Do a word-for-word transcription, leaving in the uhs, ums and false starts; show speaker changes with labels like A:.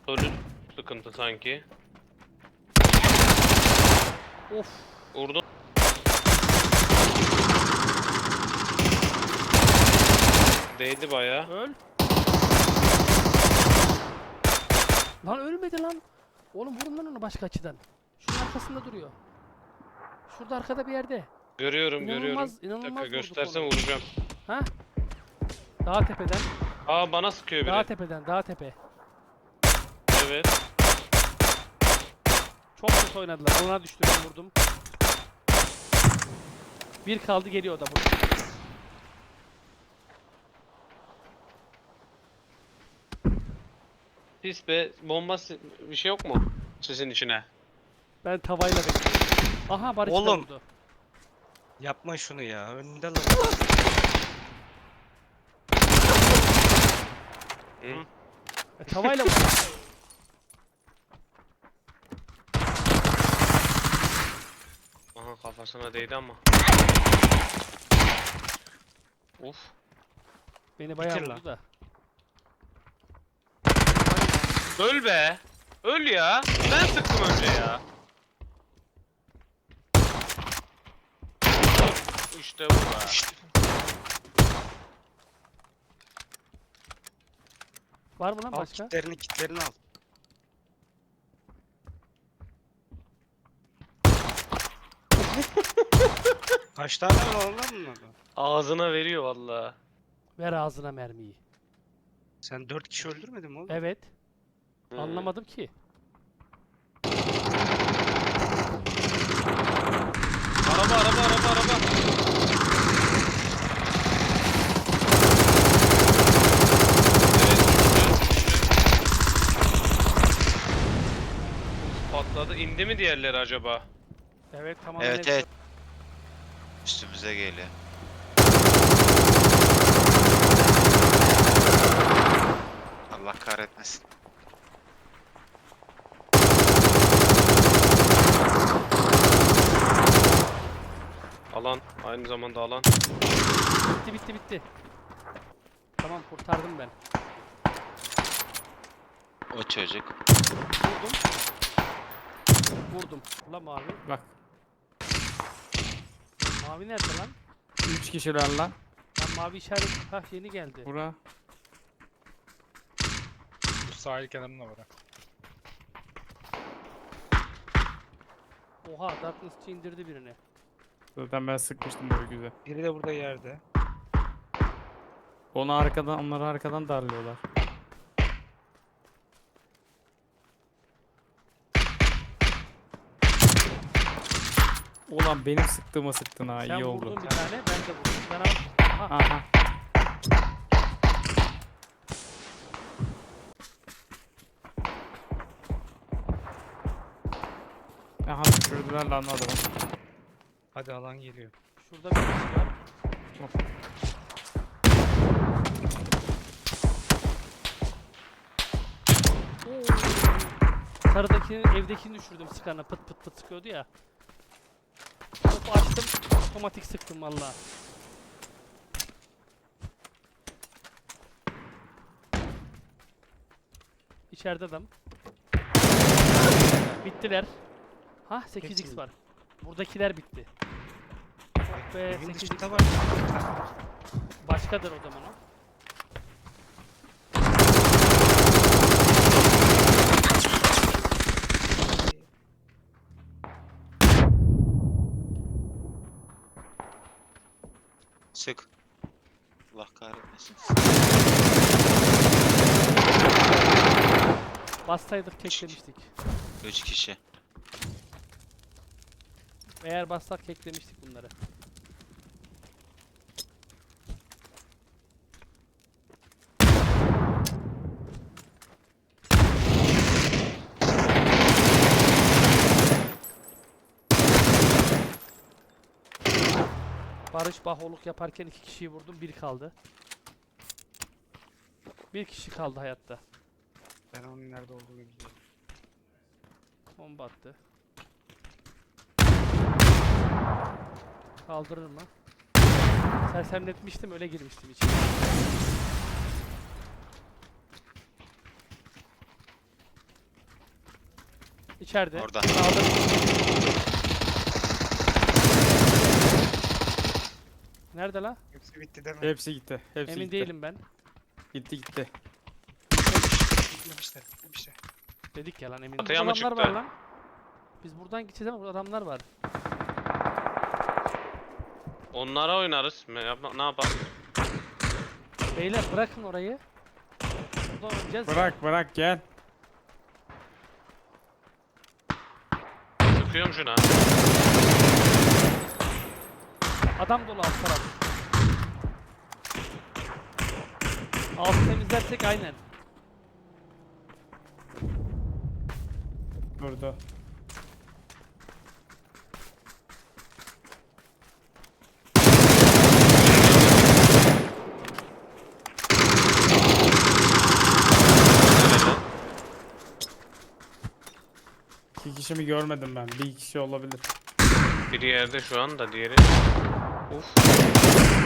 A: Ölü sıkıntı sanki.
B: Of.
A: Vurdum. Değdi bayağı.
B: Öl. Lan ölmedi lan. Oğlum vurun lan onu başka açıdan. Şunun arkasında duruyor. Şurada arkada bir yerde.
A: Görüyorum
B: İnanılmaz,
A: görüyorum. Bir
B: inanılmaz
A: dakika
B: vurduk
A: göstersen
B: onu.
A: vuracağım.
B: Ha? Dağ tepeden.
A: Aa bana sıkıyor biri.
B: Dağ tepeden, dağ tepe.
A: Evet.
B: Çok kötü oynadılar. Ona düştü, ben vurdum. Bir kaldı, geliyor o da burada.
A: Pis be. Bomba si- bir şey yok mu? Sizin içine.
B: Ben tavayla bekliyorum. Aha Barış da
C: Oğlum.
B: vurdu.
C: Yapma şunu ya. Önünde lan.
A: Hı?
B: E, tavayla vurdu.
A: Aha kafasına değdi ama. Uf.
B: Beni bayağı
C: Bitir lan.
B: vurdu da.
A: Öl be. Öl ya. Ben sıktım önce ya. İşte bu be.
B: Var mı lan
C: Al
B: başka?
C: kitlerini kitlerini al. Kaç tane var lan bunlarda?
A: Ağzına veriyor vallahi.
B: Ver ağzına mermiyi.
C: Sen dört kişi öldürmedin mi oğlum?
B: Evet.
A: Hı.
B: Anlamadım ki.
A: Araba araba araba araba. Patladı. İndi mi diğerleri acaba?
B: Evet tamam.
D: Evet evet. Üstümüze geliyor. Allah kahretmesin.
A: Alan. Aynı zamanda alan.
B: Bitti bitti bitti. Tamam kurtardım ben.
D: O çocuk.
B: Vurdum. Vurdum. Ulan mavi.
E: Bak.
B: Mavi nerede lan?
E: Üç kişiler lan.
B: Lan mavi işaret. Hah yeni geldi.
E: Bura.
F: Bu sahil kenarında var ha.
B: Oha Darkness'çı indirdi birini.
E: Zaten ben sıkmıştım böyle güzel.
C: Biri de burada yerde.
E: Onu arkadan, onları arkadan darlıyorlar. Ulan benim sıktığıma sıktın ha,
B: Sen
E: iyi
B: vurdun
E: oldu.
B: bir tane, ben de vurdum. Ben al. Aha.
E: Aha. Aha düşürdüler lan adamı.
C: Hadi alan geliyor.
B: Şurada bir kişi var.
E: Hop.
B: Oo. Sarıdakinin evdekini düşürdüm sıkanla, pıt pıt pıt sıkıyordu ya. Topu açtım, otomatik sıktım valla. İçeride adam. Bittiler. Ha sekiz x
C: Hepsi
B: var. Buradakiler bitti. Oh be,
C: Evin
B: sekiz x
C: dışında
B: var.
C: var.
B: Başkadır o zaman o.
D: Sık. Allah kahretmesin.
B: Bassaydık keklemiştik.
D: Üç kişi.
B: Eğer bassak keklemiştik bunları. Barış baholuk yaparken iki kişiyi vurdum, bir kaldı. Bir kişi kaldı hayatta.
C: Ben onun nerede olduğunu biliyorum.
B: Bomba attı. Kaldırır mı? Sersemletmiştim, öyle girmiştim içeri. İçeride.
D: Orada.
B: Sağda. Nerede la?
C: Hepsi bitti deme.
E: Hepsi gitti. Hepsi
B: Emin
E: gitti.
B: değilim ben.
E: Gitti gitti.
C: Yemişler. Yemişler.
B: Dedik ya lan emin.
A: Batıya
B: Burada
A: mı
B: adamlar
A: çıktı?
B: var lan. Biz buradan gideceğiz ama burada adamlar var.
A: Onlara oynarız. Ne yap- ne yapalım?
B: Beyler bırakın orayı. Buradan oynayacağız. ya.
E: Bırak bırak gel.
A: Sıkıyorum şuna.
B: Adam dolu alt taraf. Altı temizlersek aynen.
E: Durdu. İki kişi mi görmedim ben. Bir kişi olabilir.
A: Biri yerde şu anda, diğeri. Uf.